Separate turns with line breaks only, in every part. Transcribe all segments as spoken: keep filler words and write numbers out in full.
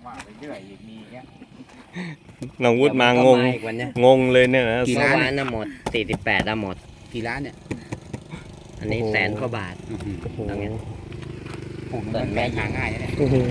ว่าไปเรื่อยอีกมีเงี้ย
น้องวุฒิมางง
อีกวันเนี้ย
งงเลยเนี่ยนะ
เมื่อวานน่ะหมดสี่สิบแปดน่ะหมด
กี่ร้านเนี่ย
อันนี้แสนกว่าบาท
อื้อหือ
โอ้โห
ตรงเนี้ย
ผมมันแม่หาง่ายนะเนี่ย
โอ้โห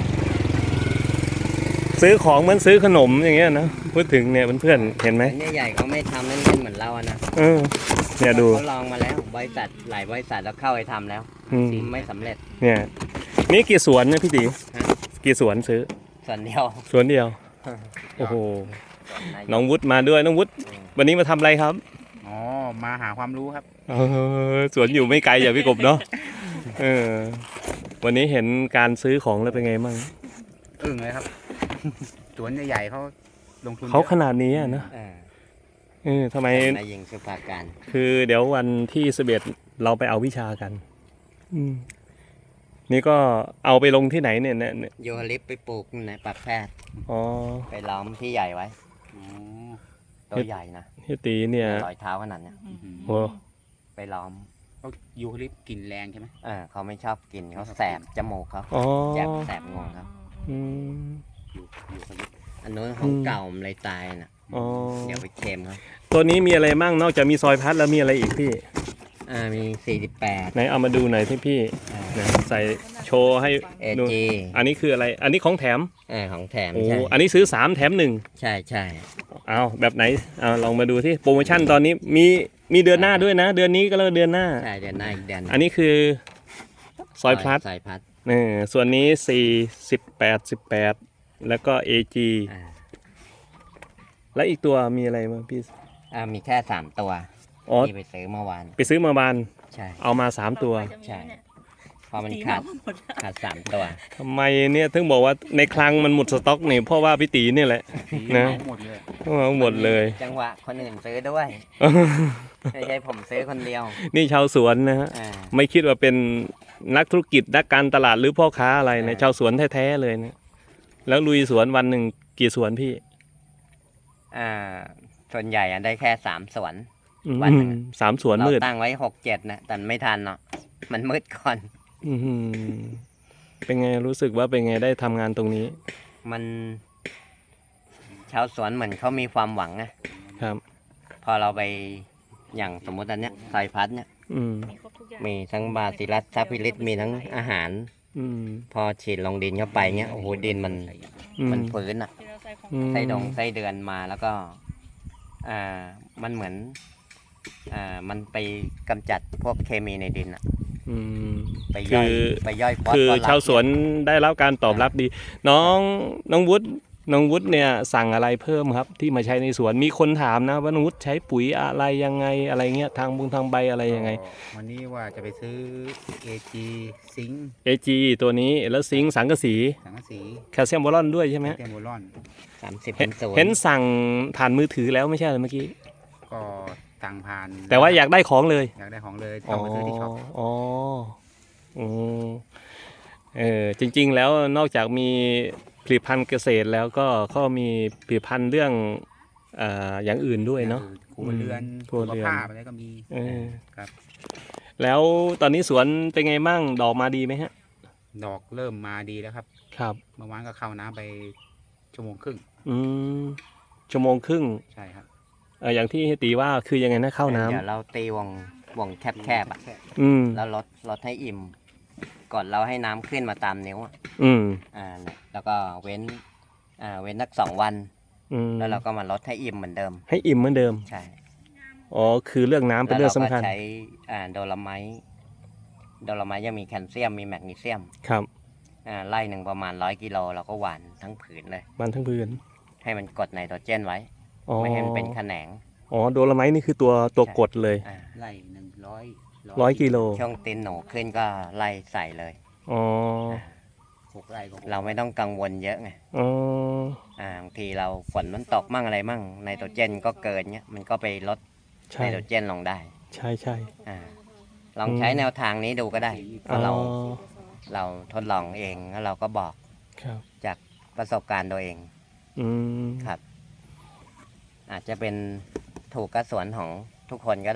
ซื้อของเหมือนซื้อขนมอย่างเงี้ยนะพูดถึงเนี่ยเพื่อนๆเห็นไหม
อันนี้ใหญ่เขาไม่ทำเล่นๆเหมือนเราอะนะ
เออเนี่ยดู
เขาลองมาแล้วบริษัทหลายบริษัทแล้วเข้าไปทำแล้ว
อืม
ไม่สำเร็จ
เนี่ยนี่กี่สวนเนี่ยพี่ตี
ฮะ
กี่สวนซื้อ
ส่วนเดียว
สวนเดียวโอ้โหน้องวุฒิมาด้วยน้องวุฒิวันนี้มาทำอะไรครับ
อ๋อมาหาความรู้ครับ
เออสวนอยู่ไม่ไกลอย่าพี่กบเนาะเออวันนี้เห็นการซื้อของแล้วเป็นไงบ้าง
อึ้งเลยครับ สวนใหญ่ๆเขาลงทุน
เขา
ยอะ
ขนาดนี้อะนะ
เออ
เออทำไม
นายยิงสุภาการ
คือเดี๋ยววันที่สิบเอ็ดเราไปเอาวิชากัน อืมนี่ก็เอาไปลงที่ไหนเนี่ยเนี่ยเนี่ย
โยฮลิปไปปลูกในปักแพทย์
อ๋อ
ไปล้อมที่ใหญ่ไว้
อ๋อ
ตัวใหญ่นะ
พี่ตีเนี่ย
รอยเท้าขนาดเนี้ย
อื้อหือ
โอ้
ไปล้อม
เขายูคาลิปต์กลิ่นแรงใช่ไหม
เออเขาไม่ชอบกินเขาแสบจมูกเขา
อ๋อ
แสบแสบงวงครับ
อืม
ยูยูคาลิปต์
อันนู้นของ
อืม
เก่ามันเลยตายน่ะ
อ๋อ
เดี๋ยวไปเค็มครับ
ตัวนี้มีอะไรมั่งนอกจากมีซอยพัดแล้วมีอะไรอีกพี่
อ่ามีสี่สิบแปด
ไหนเอามาดูหน่อยที่พี่นะใส่โชว์ให้
เอ
ดู
จี
อันนี้คืออะไร อันนี้ของแถม
เออของแถม
โอ้
ใช่
อันนี้ซื้อสามแถมหนึ่ง
ใช่ใช่
เอาแบบไหนเอาลองมาดูที่โปรโมชั่นตอนนี้มีมีเดือนหน้าด้วยนะ เดือนนี้ก็แล้วเดือนหน้า
ใช่เดือนหน้าอีกเดือน
อันนี้คือซอยพลัส
ซอยพัด
นี่ส่วนนี้สี่สิบแปดสิบแปดแล้วก็ เอ จี
อ่า
แล้วอีกตัวมีอะไรมั้งพี่
อ่ามีแค่สามตัว
อ๋อ
ที่ไปซื้อเมื่อวาน
ไปซื้อมาบาน
ใช่
เอามาสามตัว
ใช่เพอมันขาดขาดสามตัว
ทำไมเนี่ยถึงบอกว่าในคลังมันหมดสต็อกนี่เพราะว่าพี่ตีนี่แหละ
สี
นะ
หมดเลย
เอาหมดเลย
จังหวะคนอื่นซื้อด้วยไม่ใช่ผมซื้อคนเดียว
นี่ชาวสวนนะฮะ
อ่า
ไม่คิดว่าเป็นนักธุรกิจนักการตลาดหรือพ่อค้าอะไรนะ
อ่า
ชาวสวนแท้ๆเลยนะแล้วลุยสวนวันหนึ่งกี่สวนพี่
อ่าส่วนใหญ่อะได้แค่สามสวน
อืม
วันหนึ่งอะ
สามสวน
เรา
มืด
ตั้งไว้หกเจ็ดนะแต่ไม่ทันเนาะมันมืดก่อน
อื้อหือเป็นไงรู้สึกว่าเป็นไงได้ทำงานตรงนี้
มันชาวสวนเหมือนเขามีความหวังนะครับ พอเราไปอย่างสมมติอันเนี้ยซอยพัดเนี่ย
อืม
มีครบทุกอย่าง
มีทั้งบาซิลัสซัพพิลิสมีทั้งอาหาร
อืม
พอฉีดลงดินเข้าไปเงี้ยโอ้โหดินมัน
อืม
มันฟื้นอ่ะ
ที่เราใส่ของ
อืม
ไส้ดงไส้เดือนมาแล้วก็อ่ามันเหมือนอ่ามันไปกำจัดพวกเคมีในดินอ่ะ
อืม
ไปย่อย
คือ
ไปย่อยฟอส
คือ
ฟอรัส
ชาวสวนได้รับการตอบรับดี น้องน้องวุฒิน้องวุฒิเนี่ยสั่งอะไรเพิ่มครับ ที่มาใช้ในสวนมีคนถามนะว่าน้องวุฒิใช้ปุ๋ยอะไรยังไงอะไรเงี้ยทางบุงทางใบอะไรยังไง
ก็วันนี้ว่าจะไปซื้อ เอ จี ซิงค์
เอ จี ตัวนี้แล้วซิงค์สังกะสี
สังกะสี
แคลเซียมบอรอนด้วยใช่ไหม
แคมโบลอน
สามสิบ
เห็
เป็น นศูน
เห็น
ย์
สั่งผ่านมือถือแล้วไม่ใช่เหรอเมื่อกี้
ก็สั่งผ่าน
แต่ว่าอยากได้ของเลย
อยากได้ของเลยต้องมาซื้อที่ช็อป
อ๋ออืมเออจริง ๆ แล้วนอกจากมีผลิตภัณฑ์เกษตรแล้วก็เขามีผลิตภัณฑ์เรื่องอ่าอย่างอื่นด้วยเนาะ
ครัวเรือน
ครัว
สุข
เรือน
ภาพอะไรก็มี
เออ
ครับ
แล้วตอนนี้สวนเป็นไงมั่งดอกมาดีไหมฮะ
ดอกเริ่มมาดีแล้วครับ
ครับ
เมื่อวานก็เข้าน้ำไปชั่วโมงครึ่ง
อืมชั่วโมงครึ่ง
ใช่ครับ
เอออย่างที่ตีว่าคือยังไงนะเข้าน้ำ
เดี๋ยวเราตีวงวงแคบๆอ่ะ
อืม
แล้วลดลดให้อิ่ม ก่อนเราให้น้ำขึ้นมาตามนิ้วอะ
อืม
อ่าเนี่ยแล้วก็เว้นอ่าเว้นสักสองวัน
อืม
แล้วเราก็มาลดให้อิ่มเหมือนเดิม
ให้อิ่มเหมือนเดิม
ใช่
อ๋อคือเรื่องน้ำเป็นเรื่องสำคัญ
แล้วเราก็ใช้อ่าโดลไมต์โดลไมต์ยังมีแคลเซียมมีแมกนีเซียม
ครับ
อ่าไล่หนึ่งประมาณร้อยกิโลเราก็หว่านทั้งผืนเลย
มันทั้งพื้น
ให้มันกดไนโตรเจนไว้
อ๋อ
ไม่ให้มันเป็นแขนง
อ๋อโดลไมต์นี่คือตัวตัวกดเลย
อ่า
ไล่หนึ่งร้อย
ร้อยกิโล
ช่วงตีนหนูขึ้นก็ไล่ใส่เลย
อ๋อ
หกไร่ก็หก
เราไม่ต้องกังวลเยอะไง
อ๋อ
อ่าบางทีเราฝนมันตกมั่งอะไรมั่งไนโตรเจนก็เกินเนี้ยมันก็ไปลด
ใช่
ไนโตรเจนลงได้
ใช่ใช่
อ่าลองใช้แนวทางนี้ดูก็ได้เพ
อ๋อ
ราะเราเราทดลองเองแล้วเราก็บอก
ครับ
จากประสบการณ์ตัวเอง
อืม
ครับ อาจจะเป็นถูกกระสวนของทุกคนก็ได้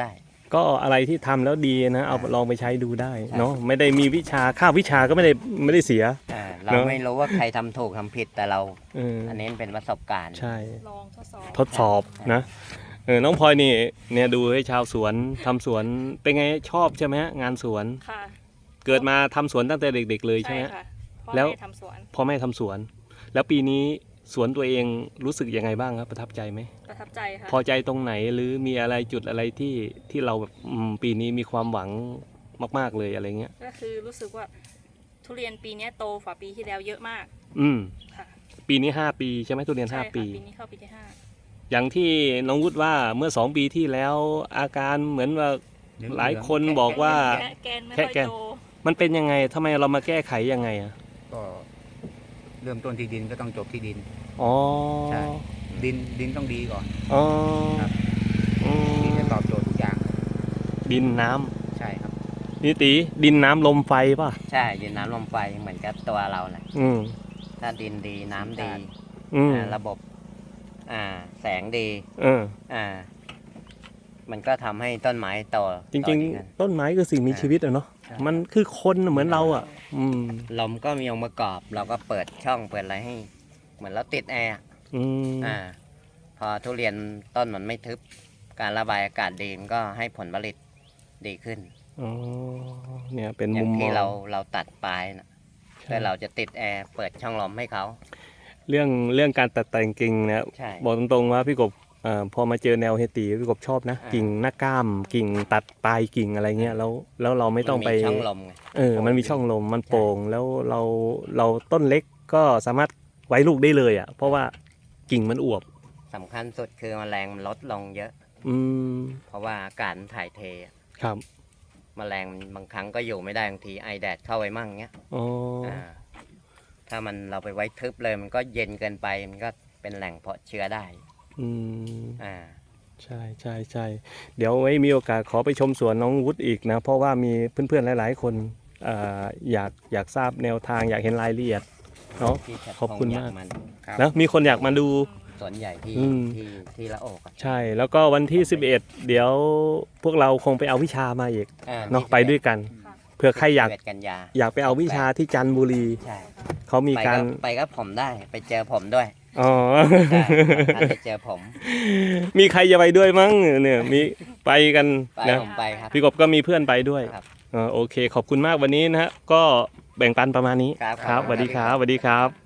ก็อะไรที่ทำแล้วดีนะเอา
อ่า
ลองไปใช้ดูได้
ใช่
เนาะไม่ได้มีวิชาค่าวิชาก็ไม่ได้ไม่ได้เสีย
อ่าเรา
เนอะ
ไม่รู้ว่าใครทำถูกทำผิดแต่เรา
เออ
อันนี้เป็นประสบการณ์
ใช่
ลองทดสอบ
ทดสอบนะเออน้องพลอยนี่เนี่ยดูให้ชาวสวนทำสวนเป็นไงชอบใช่ไหมฮะงานสวน
ค่ะ
เกิดมาทำสวนตั้งแต่เด็ก ๆ เลยใช่
ใช่
ไหม
ค่ะพ่อ
แล้ว
แม่ทำสวน
พ่อแม่ทำสวน แล้วปีนี้สวนตัวเองรู้สึกยังไงบ้างครับประทับใจไหม
ประทับใจค่ะ
พอใจตรงไหนหรือมีอะไรจุดอะไรที่ที่เราแบบอืมปีนี้มีความหวังมาก ๆเลยอะไรเงี้ย
ก็คือรู้สึกว่าทุเรียนปีเนี้ยโตกว่าปีที่แล้วเยอะมาก
อืม
ค่ะ
ปีนี้ห้าปีใช่ไหมทุเรียน
ใช่
ห้า
ค่ะ
ปี
ปีนี้เข้าปีที่ห้า
อย่างที่น้องวุฒิว่าเมื่อสองปีที่แล้วอาการเหมือนว่า
เหลืองๆ
หลายคนบอกว่า
แกะแกนไม่
แค่
ค่อย
แกน
โต
มันเป็นยังไงทำไมเรามาแก้ไขยังไงอ่ะ
ก็เริ่มต้นที่ดินก็ต้องจบที่ดิน
อ๋อ
ใช่ ดินดินต้องดีก่อน
อ๋อ
ครับ
อืม
ดินจะตอบโจทย์ทุกอย่าง
ดินน้ำ
ใช่ครับ
นี่ตีดินน้ำลมไฟป่ะ
ใช่ดินน้ำลมไฟเหมือนกับตัวเราแหละ
อืม
ถ้าดินดีน้ำดี
อืม
อ่าระบบอ่าแสงดี
เออ
อ่า มันก็ทำให้ต้นไม้โต
จริง
โตดีขึ้น
ๆ ต้นไม้คือสิ่งมีชีวิตอะเนาะ
ใช่
มันคือคนเหมือนเราอ่ะ อืม
ลมก็มีองค์ประกอบ เราก็เปิดช่องเปิดอะไรให้ เหมือนเราติดแอร์อะ
อืม
อ่า พอทุเรียนต้นมันไม่ทึบ การระบายอากาศดีมันก็ให้ผลผลิตดีขึ้น
อ๋อ เนี่ยเป็น
อย่า
มุ
ง
มม
ที่
อง
เราเราตัดปลายนะ
ใช่
แต่เราจะติดแอร์เปิดช่องลมให้เขา
เรื่องเรื่องการตัดแต่งกิ่งเนะ
ใช่
บอกตรงๆว่าพี่กบเอ่อพอมาเจอแนวเฮตีพี่กบชอบนะ
อ่า
กิ่งหน้าก้าม กิ่งตัดปลายกิ่งอะไรเงี้ยแล้วแล้วเราไม่ต้องไป
นช่องลมไง
เออ มันมีช่องลม มัน
ใช่
โปร่ง แล้วเราเราต้นเล็กก็สามารถไว้ลูกได้เลยอ่ะ เพราะว่ากิ่งมันอวบ
สำคัญสุดคือแมลงมันลดลงเยอะ
อืม
เพราะว่าอากาศมันถ่ายเทอะ
ครับ
แมลงมันบางครั้งก็อยู่ไม่ได้บางทีไอแดดเข้าไปมั่งเงี้ย
อ๋อ
อ่าถ้ามันเราไปไว้ทึบเลยมันก็เย็นเกินไปมันก็เป็นแหล่งเพาะเชื้อได้
อืม
อ่า
ใช่ใช่ใช่เดี๋ยวไว้มีโอกาสขอไปชมสวนน้องวุฒิอีกนะ เพราะว่ามีเพื่อนๆหลายๆคนเอ่ออยากอยากทราบแนวทางอยากเห็นรายละเอียดเนาะ
ที่ชัด
ขอบคุณ
พงษ์ย
มาก
มัน
ครับ
นะมีคนอยากมาดู
สวนใหญ่ที่
อืม
ที่ที่ละโอกอะ
ใช่ แล้วก็วันที่ สิบเอ็ด เดี๋ยวพวกเราคงไปเอาวิชามาอีก
อ่
เนาะ
ที่
ไปด้วยกัน
ค่ะ
เผื่อใครอยาก
สิบเดกันยา
อยากไปเอาวิชาที่จันทบุรี
ใช่
เขามี
ไป
การ
ไปก็ผมได้ไปเจอผมด้วย
อ๋อ
ใช่สำคัญไปเจอผม
มีใครจะไปด้วยมั้งเนี่ยมีไปกัน
ไป
นะ
ผมไปครับ
พี่กบก็มีเพื่อนไปด้วย
ครับ
เออโอเค ขอบคุณมากวันนี้นะฮะก็แบ่งปันประมาณนี้
ครับ
ครับสวัสดีครับสวัสดีครับ